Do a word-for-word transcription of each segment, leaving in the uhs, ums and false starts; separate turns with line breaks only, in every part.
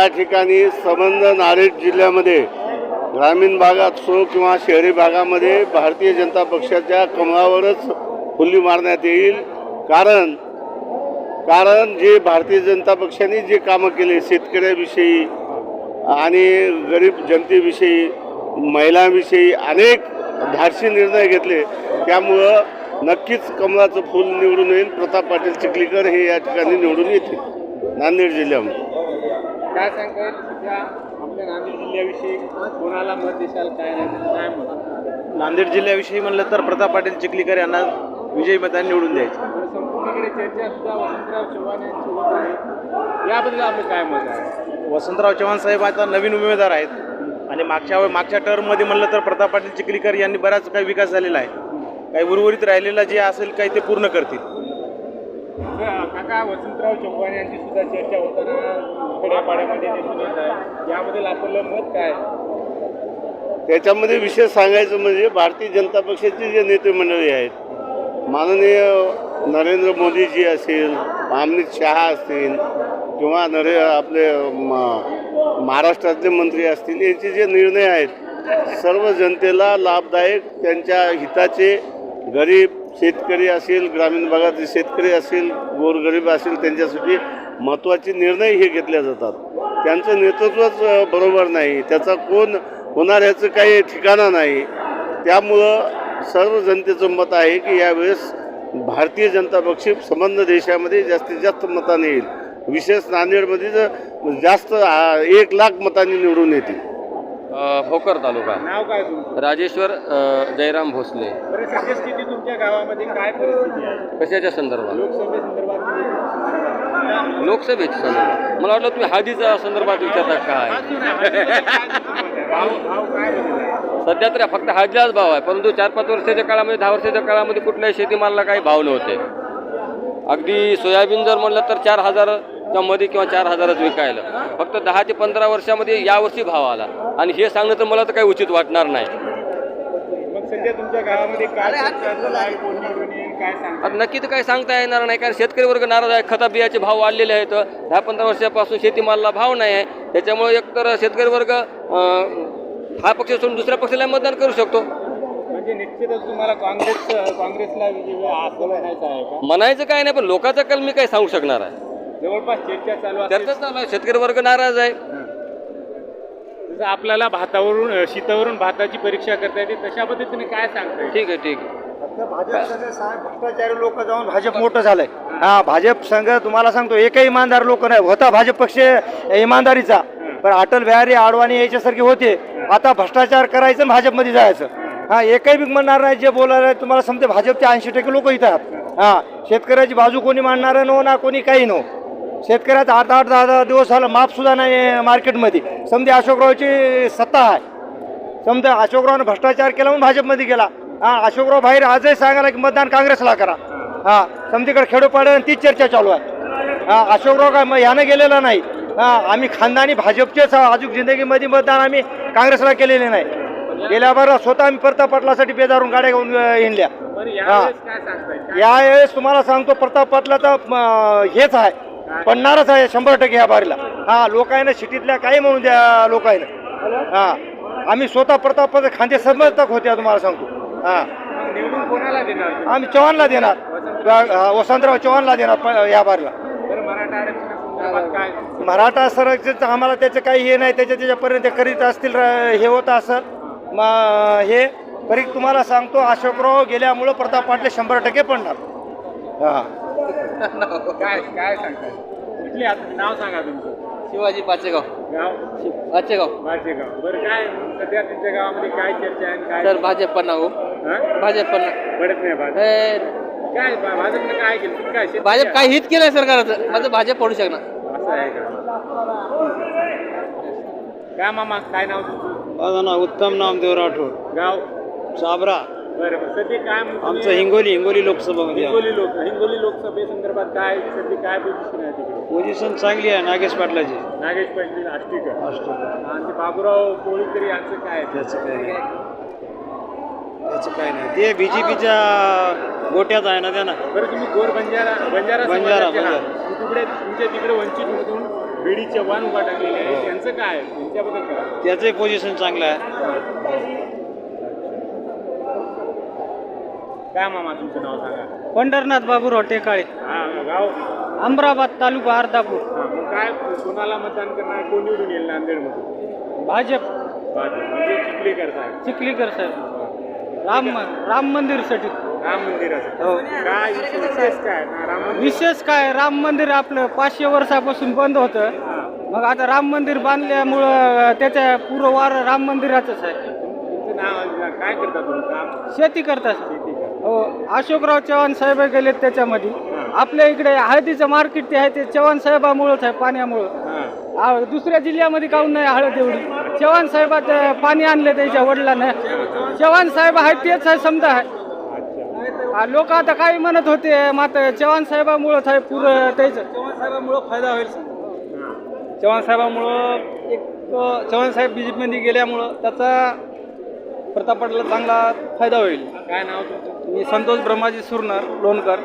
या ठिकाणी संबंध नांदेड जिल्ह्यामध्ये ग्रामीण भागात असो किंवा शहरी भागामध्ये भारतीय जनता पक्षाच्या कमळावरच फुल्ली मारण्यात येईल। कारण कारण जे भारतीय जनता पक्षाने जे कामं केले शेतकऱ्याविषयी आणि गरीब जनतेविषयी महिलांविषयी अनेक धाडसी निर्णय घेतले, त्यामुळं नक्कीच कमळाचं फूल निवडून येईल। प्रताप पाटील चिखलीकर हे या ठिकाणी निवडून येतील नांदेड जिल्ह्यामध्ये।
काय सांगताय आपल्या नांदेड जिल्ह्याविषयी कोणाला मत देशाल, काय काय मत?
नांदेड जिल्ह्याविषयी म्हणलं तर प्रताप पाटील चिखलीकर यांना विजयी मताने निवडून द्यायचं।
संपूर्णकडे चर्चा सुद्धा वसंतराव चव्हाण यांची होत आहे, याबद्दल आपलं काय मत आहे?
वसंतराव चव्हाण साहेब आता नवीन उमेदवार आहेत आणि मागच्या मागच्या टर्ममध्ये म्हणलं तर प्रताप पाटील चिखलीकर यांनी बराच काही विकास झालेला आहे, काही उर्वरित राहिलेला जे असेल काही ते पूर्ण करतील।
काका, वसंतराव चव्हाण यांची सुद्धा चर्चा होताना खेड्यापाड्यामध्ये दिसून येत आहे, याबद्दल आपलं मत काय?
त्याच्यामध्ये विशेष सांगायचं म्हणजे भारतीय जनता पक्षाचे जे नेते मंडळी आहेत, माननीय नरेंद्र मोदीजी असेल, अमित शहा असतील किंवा नरे आपले महाराष्ट्रातले मंत्री असतील, यांचे जे निर्णय आहेत सर्व जनतेला लाभदायक, त्यांच्या हिताचे, गरीब शेतकरी असेल, ग्रामीण भागातील शेतकरी असेल, गोरगरीब असेल, त्यांच्यासाठी महत्त्वाचे निर्णय हे घेतले जातात। त्यांचं नेतृत्वच बरोबर नाही, त्याचा कोण होणार याचं काही ठिकाणा नाही। त्यामुळं सर्व जनतेचं मत आहे की यावेळेस भारतीय जनता पक्ष संबंध देशामध्ये जास्तीत जास्त मताने येईल, विशेष नांदेडमध्ये तर जास्त एक लाख मतांनी निवडून येतील।
भोकर तालुका।
नाव काय तुमचं?
राजेश्वर जयराम भोसले।
बरं, सद्यस्थिती तुमच्या गावामध्ये काय परिस्थिती आहे?
कशाच्या संदर्भात?
लोकसभेसंदर्भात?
लोकसभेच्या संदर्भात मला वाटलं तुम्ही हळदीच्या संदर्भात विचारता काय?
भाव भाव काय बदलला?
सध्या तर फक्त हळदीलाच भाव आहे, परंतु चार पाच वर्षाच्या काळामध्ये दहा वर्षाच्या काळामध्ये कुठल्याही शेतीमालाला काही भाव नव्हते। अगदी सोयाबीन जर म्हणलं तर चार हजारच्या मध्ये किंवा चार हजारच विकायला, फक्त दहा ते पंधरा वर्षामध्ये यावर्षी भाव आला आणि हे सांगणं तर मला तर काही उचित वाटणार नाही।
मग सध्या तुमच्या गावामध्ये काय चर्चा चालू आहे? कोण निवडून येईल काय सांगता?
आता नक्की तर काही सांगता येणार नाही, कारण शेतकरी वर्ग नाराज आहे। खता बियाचे भाव वाढलेले आहेत, दहा पंधरा वर्षापासून शेतीमालाला भाव नाही आहे, त्याच्यामुळे एकतर शेतकरी वर्ग हा पक्ष सोडून दुसऱ्या पक्षाला मतदान करू शकतो।
म्हणजे निश्चितच तुम्हाला काँग्रेस काँग्रेसला विजय असं म्हणायचं आहे का?
म्हणायचं काय नाही, पण लोकांचा कल मी काही सांगू शकणार आहे।
जवळपास चर्चा चालू आहे,
चर्चा चालू आहे, शेतकरी वर्ग नाराज आहे।
जसं आपल्याला भातावरून शीतावरून भाताची परीक्षा करता येते, तशा पद्धतीने काय सांगताय?
ठीक आहे ठीक आहे।
भाजप संघ साहेब भ्रष्टाचारी लोक जाऊन भाजप मोठं झालंय। हा, भाजप संघ तुम्हाला सांगतो एकही इमानदार लोक नाही होता भाजप पक्ष इमानदारीचा, पण अटल बिहारी आडवाणी याच्यासारखे होते, आता भ्रष्टाचार करायचं भाजपमध्ये जायचं। हा, एकही बी म्हणणार नाही, जे बोलायला तुम्हाला समजते भाजपचे ऐंशी टक्के लोक इथं आहेत। हा, शेतकऱ्याची बाजू कोणी मांडणार नो ना कोणी काही नो, शेतकऱ्याचा आठ आठ दहा दहा दिवस झाला माप सुद्धा नाही मार्केटमध्ये। समजे अशोकरावची सत्ता आहे, समजा अशोकरावनं भ्रष्टाचार केला म्हणून भाजपमध्ये गेला। हा, अशोकराव बाहेर आजही सांगायला की मतदान काँग्रेसला करा। हा, समतीकडे खेडोपाड्यानं तीच चर्चा चालू आहे। हा, अशोकराव काय मग ह्यानं गेलेला नाही। हा, आम्ही खानदानी भाजपचेच अजून जिंदगीमध्ये मतदान आम्ही काँग्रेसला केलेले नाही। गेल्या बार स्वतः आम्ही प्रताप पाटलासाठी बेदारून गाड्या घेऊन हिंडल्या। यावेळेस तुम्हाला सांगतो प्रताप पाटलाचं हेच आहे, पडणारच आहे शंभर टक्के ह्या बारीला। हा, लोकांना सिटीतल्या काही म्हणून द्या लोकांना। हा, आम्ही स्वतः प्रताप खांदे समर्थक होते तुम्हाला सांगतो। हा,
निवडून कोणाला देणार?
आम्ही चव्हाणला देणार, वसंतराव चव्हाणला देणार या बारीला।
मराठा आरक्षणासंदर्भात काय?
मराठा आरक्षणाचं आम्हाला त्याचं काही हे नाही, त्याच्या त्याच्यापर्यंत करीत असतील हे होत असं मग हे तरी तुम्हाला सांगतो अशोकराव गेल्यामुळं प्रताप पाटले शंभर टक्के पडणार। हा,
काय काय सांगताय? कुठली नाव सांगा तुमचं?
शिवाजी पाचेगाव।
गाव?
पाचेगाव
पाचेगाव। बरं, काय सध्या तुमच्या गावामध्ये काय चर्चा आहे? काय
सर भाजप पण हो, भाजप पण
पडत नाही भाजप? काय भाजपनं काय केलं? तुम्ही काय
भाजप काय हित केलंय सरकारचं, माझं भाजप पडू शकणार
असं आहे का? काय मामा, काय नाव तुमचं?
माझं नाव उत्तम नामदेव राठोड,
गाव?
साबरा।
बरं बरं, सध्या काय
आमचं हिंगोली हिंगोली लोकसभामध्ये
हिंगोली लोक हिंगोली लोकसभेसंदर्भात काय सध्या काय पोझिशन आहे तिकडे?
पोझिशन चांगली आहे नागेश पाटलाची।
नागेश पाटील आष्टीकर आणि ते बाबूराव कोळीकर यांचं काय?
त्याचं काय नाही, त्याचं काय नाही, ते बी जे पीच्या गोट्यात आहे ना त्यांना।
बरं, तुम्ही गोर बंजारा बंजारा
बंजारा
समाजाचे आहात. तिकडे तुमच्या तिकडे वंचित मधून बीडी चव्हाण उभा टाकलेले आहे त्यांचं काय त्यांच्याबद्दल काय
त्याचंही पोझिशन चांगलं आहे.
काय मामा तुमचं नाव सांगा.
पंढरनाथ बाबूराव टेकाळे,
हा गाव
अमराबाद तालुका अर्धापूर.
हा मग काय कोणाला मतदान करणार कोण निवडून येईल नांदेडमध्ये.
भाजप
भाजप म्हणजे चिखलीकर साहेब.
चिखलीकर साहेब. राम राम मंदिरसाठी.
राम मंदिराचं
हो.
काय विशेष काय ना राम मंदिर
विशेष काय, राम मंदिर आपलं पाचशे वर्षापासून बंद होतं.
हा.
मग आता राम मंदिर बांधल्यामुळं त्याच्या पूर्ण वार राम मंदिराचंच आहे.
तुमचं नाव काय करता तुम्ही काम.
शेती करतात.
शेती का.
हो, अशोकराव चव्हाण साहेब गेलेत त्याच्यामध्ये. आपल्या इकडे हळदीचं मार्केट ते आहे ते चव्हाण साहेबामुळंच आहे, पाण्यामुळं.
हा.
आ, दुसऱ्या जिल्ह्यामध्ये काहून नाही हळद एवढी. चव्हाण साहेबात पाणी आणले त्याच्या वडिलांना. चव्हाण साहेब आहे तेच आहे समजा आहे. लोक आता काही म्हणत होते मात्र चव्हाण साहेबामुळंच आहे पुरं त्याचं. चव्हाण साहेबामुळं फायदा होईल. चव्हाण साहेबामुळं एक चव्हाण साहेब बी जे पीमध्ये गेल्यामुळं त्याचा प्रताप पाटला चांगला फायदा होईल.
काय नाव तुमचं.
मी संतोष ब्रह्माजी सुरणार लोणकर.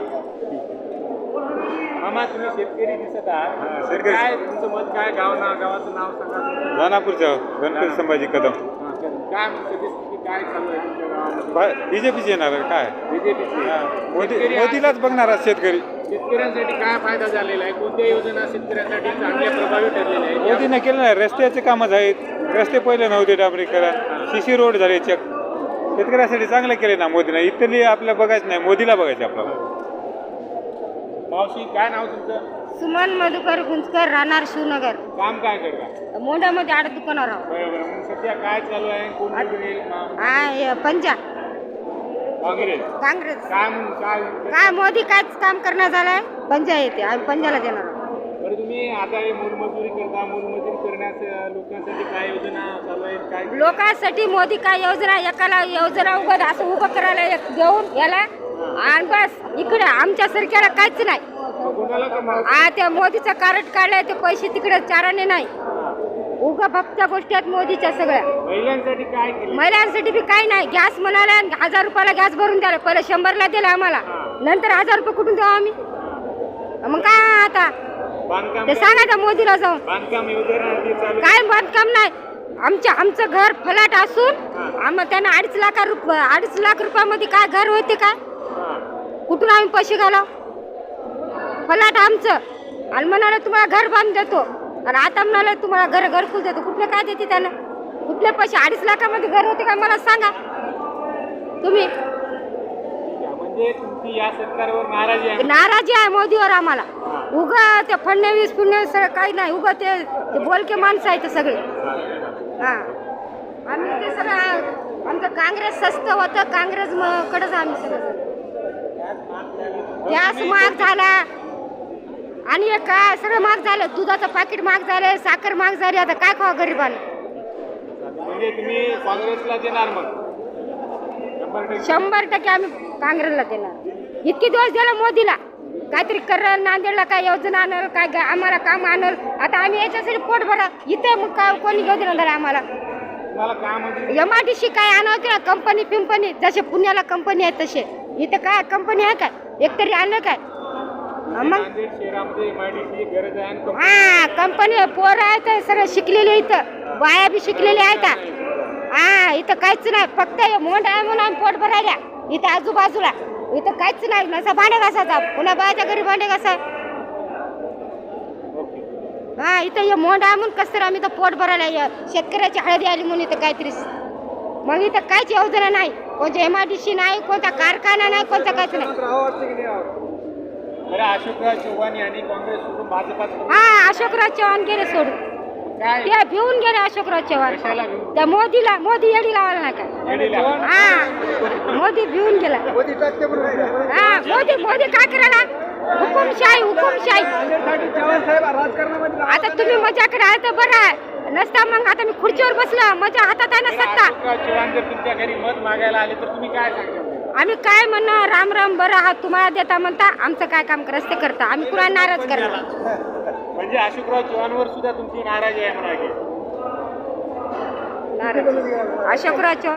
मामा तुम्ही शेतकरी दिसत आहात. काय तुमचं मत काय गाव नाव गावाचं नाव सांगा.
दानापूरच्या गणपती संभाजी कदम.
हा, काय सध्यास्थिती काय चालू आहे तुमच्या गावामध्ये.
बीजेपीचे येणार आहे काय
बीजेपीची
मोदी मोदीलाच बघणार आहे शेतकरी.
शेतकऱ्यांसाठी काय फायदा झालेला आहे कोणत्या योजना शेतकऱ्यांसाठी चांगल्या प्रभावी ठरलेल्या आहेत.
मोदीने केलं नाही. रस्त्याचे कामच आहेत. रस्ते पहिले नव्हते डांबरीकरण. शिशी रोड झाले चक. शेतकऱ्यासाठी चांगलं केले ना मोदीने. इथली आपल्याला बघायचं नाही, मोदीला बघायचं आपल्याला.
मावशी काय नाव तुमचं.
सुमन मधुकर गुंजकर, राहणार शिवनगर.
काम काय करता.
मोंढ्यामध्ये आड दुकानावर आहोत.
बरोबर मग सध्या काय चालू आहे कोण निवडून येईल.
हा, हे पंजा
काँग्रेस
काँग्रेस.
काय म्हणून काय
काय मोदी कायच काम करणार झालंय. पंजा येते, आम्ही पंजाला देणार आहोत.
बरं तुम्ही आता हे मोलमजुरी करता. मोलमजुरी करण्यास लोकांसाठी काय योजना चालू आहेत काय.
लोकांसाठी मोदी काय योजना, एकाला योजना उभं असं उभं करायला एक देऊन याला आणि बस इकडे आमच्या सरकारला काहीच नाही.
मग कोणाला का
आ त्या मोदीचं कार्ड काढलंय ते पैसे तिकडे चाराने नाही. उगा फक्त गोष्टी आहेत मोदीच्या सगळ्या.
महिलांसाठी काय केलं.
महिलांसाठी बी काही नाही. गॅस म्हणाला हजार रुपयाला गॅस भरून द्यायला, पहिले शंभरला दिला आम्हाला, नंतर हजार रुपये कुठून देऊ आम्ही. मग काय आता
बांधकाम
ते सांगा त्या मोदीला जाऊन.
बांधकाम योजना ती चालू
काय बांधकाम नाही. आमच्या आमचं घर फलाट असून आम्हाला त्यांना अडीच लाख रुपये अडीच लाख रुपयामध्ये काय घर होते काय. कुठून आम्ही पैसे घालाव. फलाट आमचं आणि म्हणाले तुम्हाला घर बांधून देतो आणि आता म्हणाले तुम्हाला घर घरकुल देतो. कुठले काय देते त्यानं. कुठले पैसे. अडीच लाखामध्ये घर होते का मला सांगा तुम्ही.
म्हणजे तुमची या सरकारवर नाराजी आहे.
नाराजी आहे मोदीवर आम्हाला. उगा ते फडणवीस फडणवीस सगळं काही नाही. उगा ते ते बोलके माणसं आहेत सगळे. हा आम्ही ते सगळं आमचं काँग्रेस स्वस्त होतं. काँग्रेस कडेच आम्ही सगळं. गॅस महाग झाला आणि हे काय सगळं महाग झालं. दुधाचं पाकिट महाग झालं, साखर महाग झाली. आता काय खावा गरिबांना.
म्हणजे तुम्ही काँग्रेसला देणार मग.
शंभर टक्के आम्ही काँग्रेसला देणार. इतके दिवस दिला मोदीला काहीतरी करल, नांदेडला काय योजना आणल, काय गा- आम्हाला काम आणल. आता आम्ही याच्यासाठी पोट भरा इथे मग काय कोणी घेऊ देणार आम्हाला.
तुम्हाला काम म्हणजे
एम आय डी सी काय आणावते ना कंपनी पिंपनी जसे पुण्याला कंपनी आहेत तसे इथे काय कंपनी आहे काय एकतरी आणलं काय. मग
नांदेड शहरामध्ये एमआयडीसी गरज आहे आणि कंपनी
हा कंपनी पोरं आहेत सगळं शिकलेले इथं बाया बी शिकलेल्या आहेत. हा इथं काहीच नाही. फक्त मोंढ आहे म्हणून आम्ही पोट भरायला इथं आजूबाजूला. इथं काहीच नाही. नसा भांडे घासायचा पुन्हा बायाच्या घरी भांडे घासा. हा इथं हे मोंढ आहे म्हणून कसं तर आम्ही इथं पोट भरायला शेतकऱ्याची हळदी आली म्हणून इथं काहीतरी. मग इथं काहीच योजना नाही. कोणत्या एम आय डी सी नाही, कोणता कारखाना नाही, कोणता काहीच नाही.
बरं अशोकराव चव्हाण यांनी काँग्रेस सोडून भाजपात
हा अशोकराव चव्हाण गेले सोडून.
काय
ते भिवून गेले अशोकराव चव्हाण.
कशाला घेऊन
त्या मोदीला मोदी येडी लावायला नाही काय.
येडीला?
हा मोदी भिवून गेला. हा मोदी मोदी काय करायला. हुकुमशाही हुकुमशाही. आता तुम्ही मजाकडे आहे तर बरं आहे. नसता मग आता मी खुर्चीवर बसला माझ्या हातात आहे ना सत्ता.
अशोकराव चव्हाण जर तुमच्या घरी मत मागायला आले तर तुम्ही काय सांगता.
आम्ही काय म्हणणार राम राम बरं आहात तुम्हाला देता म्हणता आमचं काय काम करत ते करता. आम्ही कुणा नाराज करणार.
म्हणजे अशोकराव चव्हाणवर सुद्धा तुमची नाराजी आहे म्हणा की.
नाराज अशोकराव चव्हाण